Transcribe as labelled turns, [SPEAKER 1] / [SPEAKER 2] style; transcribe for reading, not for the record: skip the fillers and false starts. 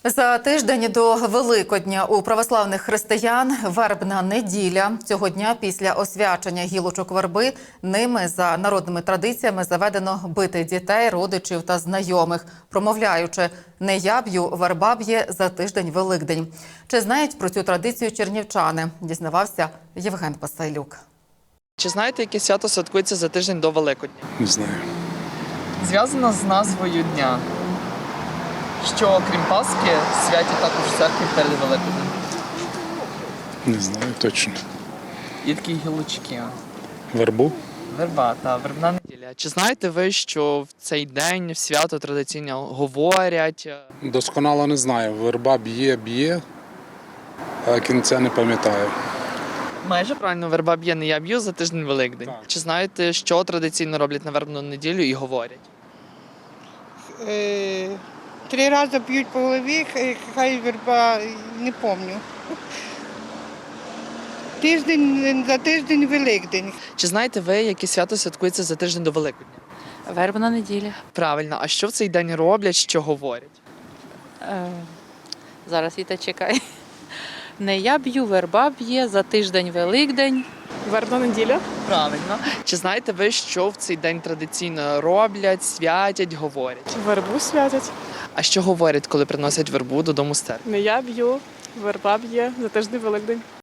[SPEAKER 1] За тиждень до Великодня у православних християн вербна неділя. Цього дня після освячення гілочок верби ними за народними традиціями заведено бити дітей, родичів та знайомих, промовляючи «Не я б'ю, верба б'є за тиждень Великдень». Чи знають про цю традицію чернівчани? Дізнавався Євген Пасайлюк.
[SPEAKER 2] Чи знаєте, яке свято святкується за тиждень до Великодня?
[SPEAKER 3] Не знаю.
[SPEAKER 2] Зв'язано з назвою дня, що, крім Пасхи, святять також в церкві перед Великоднем.
[SPEAKER 3] Не знаю точно.
[SPEAKER 2] Є такі гілочки.
[SPEAKER 3] Вербу?
[SPEAKER 2] Верба та вербна неділя. Чи знаєте ви, що в цей день в свято традиційно говорять?
[SPEAKER 3] Досконало не знаю. Верба б'є, а кінця не пам'ятаю.
[SPEAKER 2] Майже правильно, верба б'є, не я б'ю за тиждень Великдень.
[SPEAKER 3] Так.
[SPEAKER 2] Чи знаєте, що традиційно роблять на вербну неділю і говорять?
[SPEAKER 4] 3 рази б'ють по голові, хай верба, не пам'ятаю. За тиждень Великдень.
[SPEAKER 2] Чи знаєте ви, яке свято святкується за тиждень до Великодня?
[SPEAKER 5] Вербна неділя.
[SPEAKER 2] Правильно, а що в цей день роблять, що говорять?
[SPEAKER 5] Зараз Віта чекай. Не я б'ю, верба б'є за тиждень Великдень.
[SPEAKER 6] Вербна неділя.
[SPEAKER 2] Правильно. Чи знаєте ви, що в цей день традиційно роблять, святять, говорять?
[SPEAKER 6] Вербу святять.
[SPEAKER 2] А що говорять, коли приносять вербу додому з церкви?
[SPEAKER 6] Не я б'ю, верба б'є за тиждень Великдень.